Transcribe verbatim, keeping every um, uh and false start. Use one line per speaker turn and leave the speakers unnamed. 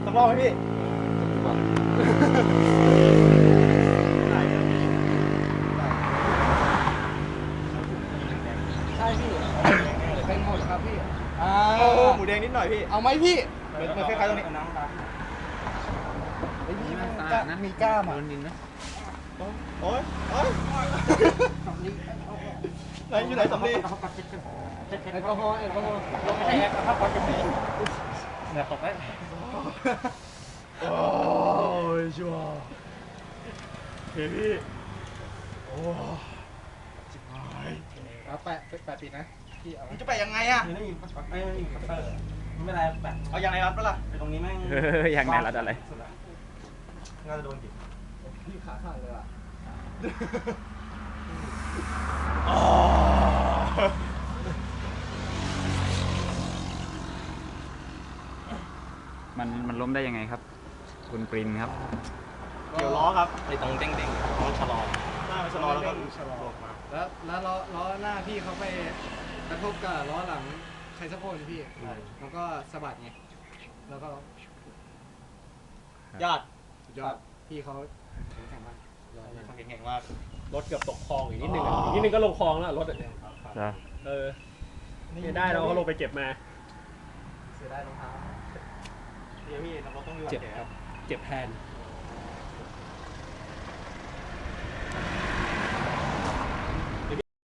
สักรอบไหมพี่
ใช่พี่เป็นหมดครับพี่อ่า
โอ้โหหมูแดงนิดหน่อยพี่
เอาไหมพี่
เหมือนเหมือนคล้ายๆตรงนี้น้ำตา
ไอ้พี่มันกล้ามีกล้ามอ่ะ
โอ้ยโอ้ยไหนอยู่ไหนสำลี
แอลกอฮอล์แอลกอฮอล์
ไม่ใช่แอปครับความจริงเนี่ยตกแล้ว
โอ้ยชัวร์เฮ้ยพี่โอ้จิบหาย
เอาแปะแปะปิดนะพี่เอา
มันจะไปยังไงอะ
ไม่มีไม่มีคัตเตอร์ไม่เป็นไรแบบ
เอายังไงรัดปะล่ะ
ไปตรงนี้แม่ง
เอออย่างไหนรัดอะไร
น่าจะโดนจิบ
พี่ขาสั่นเลยอ่ะ
มันมันล้มได้ยังไงครับ คุณปรินครับ
เกี่ยวล้อครับ
ไอ้ตรงเด้งๆต้องชะลอ
หน้ามันชะลอแล้วก็
ชะลอแล้วแล้วล้อล้อหน้าพี่เขาไปกระทบกับล้อหลังใครสักคนพี่มันก็สะบัดไงแล้วก็
ญาติ
สุดยอดพี่เขาแข็งมาก
เขาแข็งๆมาก
รถเกือบตกคลองอีกนิดนึงอ่ะอีกนิดนึงก็ลงคลองแล้วรถอะ
จ้ะ
เออไม่ได้เราก็ลงไปเก็บมา
เสียดายรองเท้า
เดี๋ยวพี่เราต้องดู
เจ็บครับ เจ็บแทน